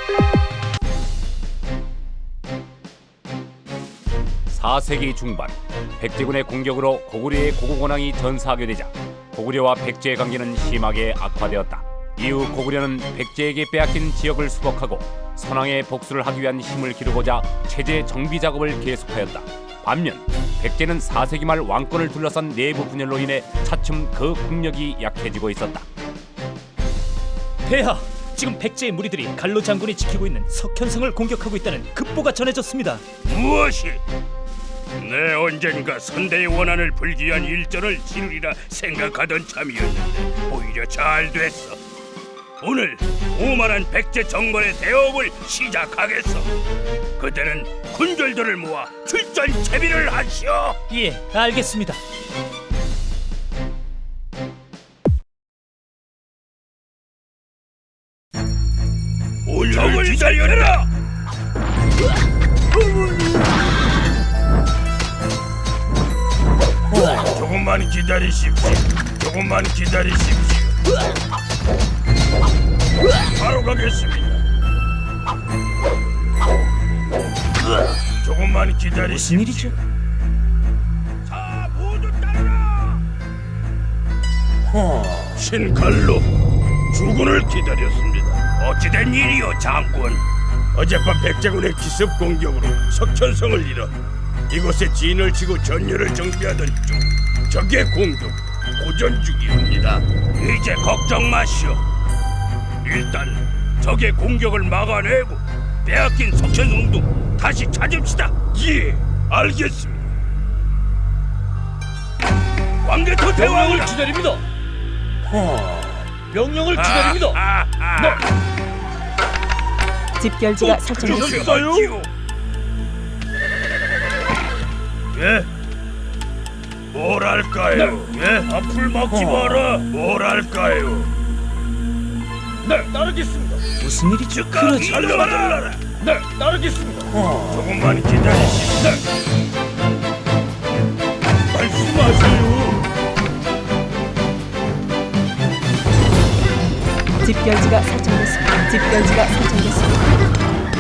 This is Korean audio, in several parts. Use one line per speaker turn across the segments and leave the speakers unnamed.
(4세기) 중반 백제군의 공격으로 고구려의 고국원왕이 전사하게 되자 고구려와 백제의 관계는 심하게 악화되었다. 이후 고구려는 백제에게 빼앗긴 지역을 수복하고 선왕의 복수를 하기 위한 힘을 기르고자 체제 정비 작업을 계속하였다. 반면 백제는 4세기 말 왕권을 둘러싼 내부 분열로 인해 차츰 그 국력이 약해지고 있었다.
폐하, 지금 백제의 무리들이 갈로 장군이 지키고 있는 석현성을 공격하고 있다는 급보가 전해졌습니다.
무엇이? 내 언젠가 선대의 원한을 풀기 위한 일전을 치르리라 생각하던 참이었는데 오히려 잘 됐어. 오늘 오만한 백제 정벌의 대업을 시작하겠어. 그때는 군졸들을 모아 출전 채비를 하시오.
예, 알겠습니다.
오늘을 기다려라. 조금만 기다리십시오. 조금만 기다리십시오. 바로 가겠습니다. 조금만 기다리십시오.
무슨 일이죠?
자, 모두 따르라. 신갈로 주군을 기다렸습니다. 어찌된 일이오, 장군? 어젯밤 백제군의 기습 공격으로 석천성을 잃어 이곳에 진을 치고 전열을 정비하던 중 적의 공격 고전 중이옵니다. 이제 걱정 마시오. 일단 적의 공격을 막아내고 빼앗긴 석천성도 다시 찾읍시다. 예, 알겠습니다. 왕개토 대왕을
기다립니다. 명령을 기다립니다.
집결지가 설정됐습니다.
설정됐어요? 예? 뭐랄까요? 예? 앞을 막지 마라. 뭐랄까요? 네, 따르겠습니다.
무슨 일이죠?
그러지 말라. 네, 따르겠습니다. 조금만 기다리십시오. 말씀하세요.
집결지가 설정됐습니다. 집결지가 설정됐습니다.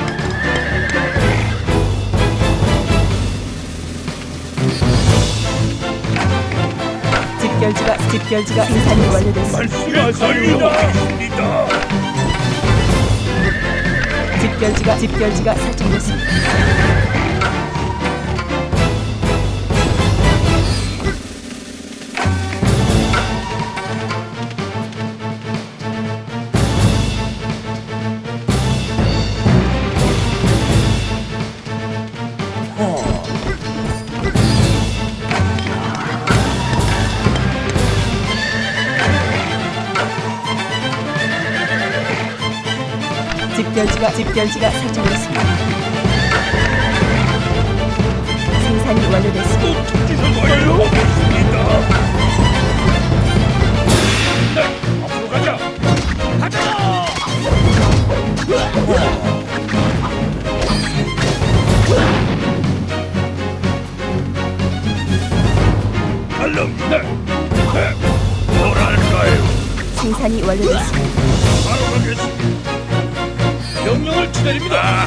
집결지가 생산이 완료됐습니다.
말씀하세요.
집결지가 설정됐습니다. 집결지가 설정됐습니다. 생산이 완료됐습니다.
네, 앞으로 가자. 알람. 네. 뭐랄까요?
생산이 완료됐습니다.
바로 가겠습니다.
명령을 기다립니다.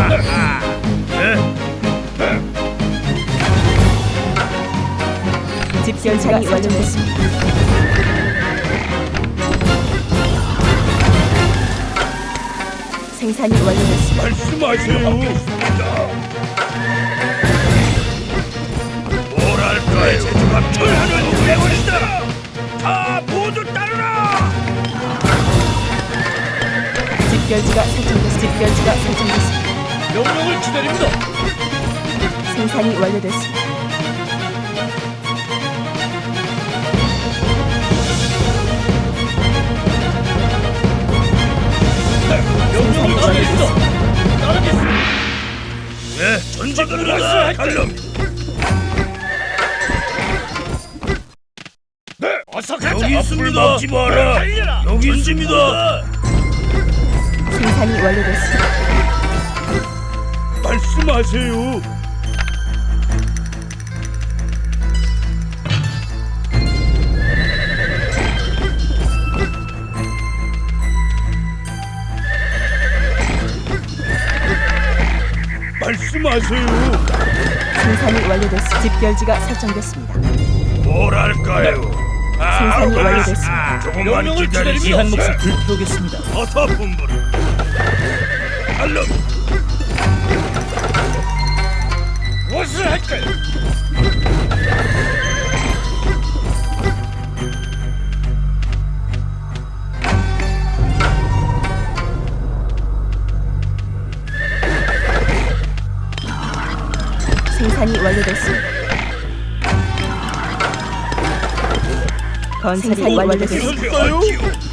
집결지가 완료됐습니다. 생산이 완료됐습니다.
말씀하세요. 뭐랄까요? 제주가 철하는 대원이다. 다 모두 따르라.
집결지가 설정됐습니다.
명령을 기다립니다.
생산이 완료됐습니다.
명령을 기다립니다.
따르겠습니다. 네, 전진으로 갈럼. 네, 어서 가자. 여기 있습니다. 먹지 마라. 여기 있습니다.
생산이 완료됐습니다.
말씀하세요. 말씀하세요.
생산이 완료됐습니다. 집결지가 설정됐습니다.
뭐랄까요?
생산이 완료됐습니다.
조금만
명령을 기다리며 이
기다리십시오.
한 몫을 불태우겠습니다.
어서 분부를. 알로. 무엇을 할까요?
생산이 완료됐습니다. 건설이 완료됐습니다.
할까요?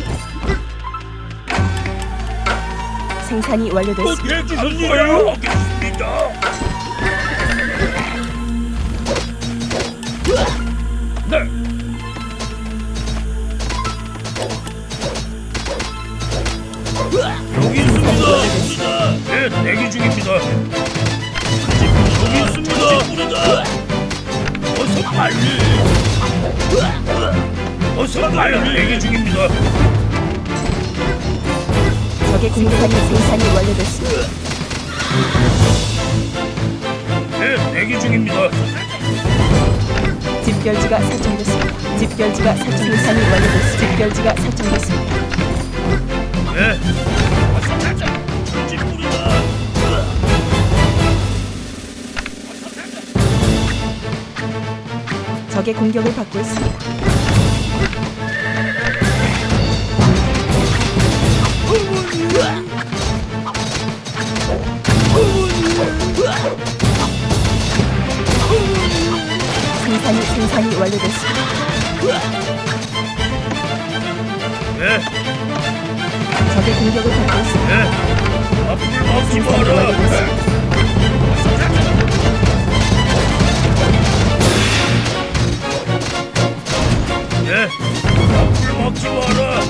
생산이 완료됐습니다.
해주셨어요? 하겠습니다. 네. 여기 있습니다. 네, 대기 중입니다. 여기 있습니다. 어서 빨리. 어서 빨리. 대기 중입니다.
적의 공격이 생산이 완료됐습니다.
네, 대기 중입니다.
집결지가 설정됐습니다. 집결지가 생산이 완료됐습니다. 집결지가 설정됐습니다.
네. 어서 가자. 전진불이다.
적의 공격을 받고 있습니다. 생산이 완료됐습니다.
네,
적의 공격을 받고 있습니다.
네. 앞을 막지
생산이
마라.
완료됐습니다.
네. 앞을 막지 마라.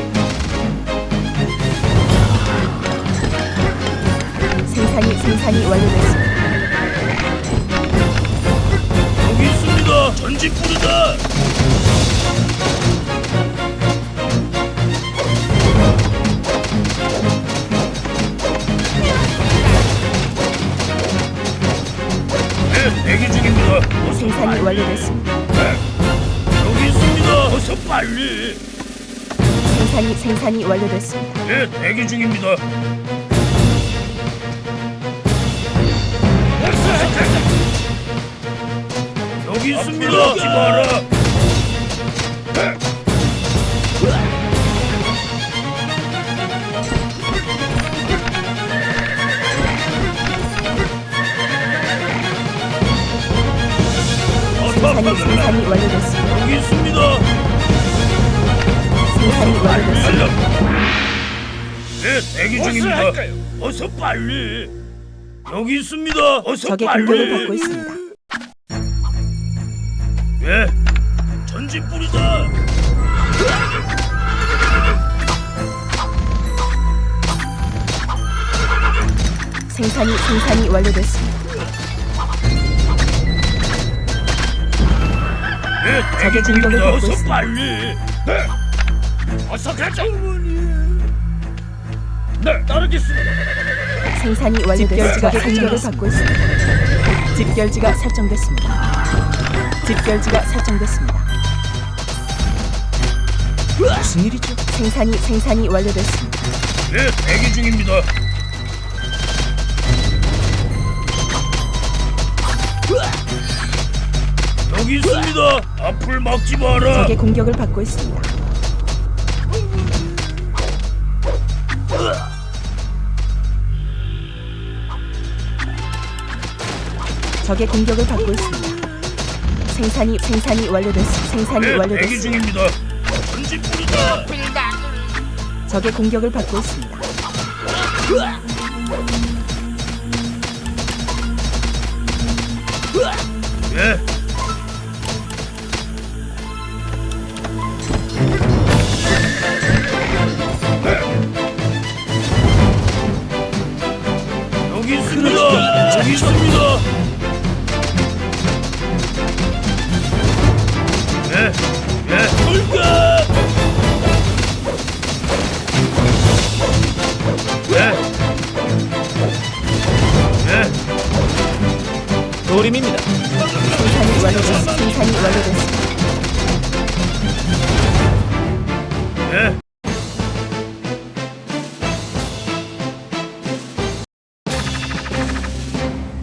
생산이 완료됐습니다.
여기 있습니다. 전진불이다. 네, 대기 중입니다. 어서
생산이
빨리.
완료됐습니다.
여기 있습니다. 어서 빨리.
생산이 완료됐습니다.
네, 대기 중입니다. 여기 있습니다. 막지 마라.
생산이 완료됐습니다.
여기 있습니다.
생산이 완료됐습니다.
알람. 네, 대기 중입니다. 어서 빨리. 여기 있습니다. 어서
적의
빨리.
공격을 받고 있습니다.
예, 전진불이다.
생산이 완료됐습니다.
예,
적의
대기
공격을
중입니다.
받고
어서
있습니다.
빨리. 네, 어서 가자. 네, 따르겠습니다.
생산이 완료됐습니다. 적의 공격을 받고 있습니다. 집결지가 설정됐습니다. 집결지가 설정됐습니다.
무슨 일이죠?
생산이 완료됐습니다.
예, 대기 중입니다. 여기 있습니다. 앞을 막지 마라.
적의 공격을 받고 있습니다. 적의 공격을 받고 있습니다. 생산이 완료됐습니다. 생산이
예, 대기
완료됐습니다.
중입니다. 전진불이다.
적의 공격을 받고 있습니다.
예. 여기 있습니다. 여기 있습니다. 예, 예. 돌가. 예, 예.
도림입니다.
생산이 완료됐습니다.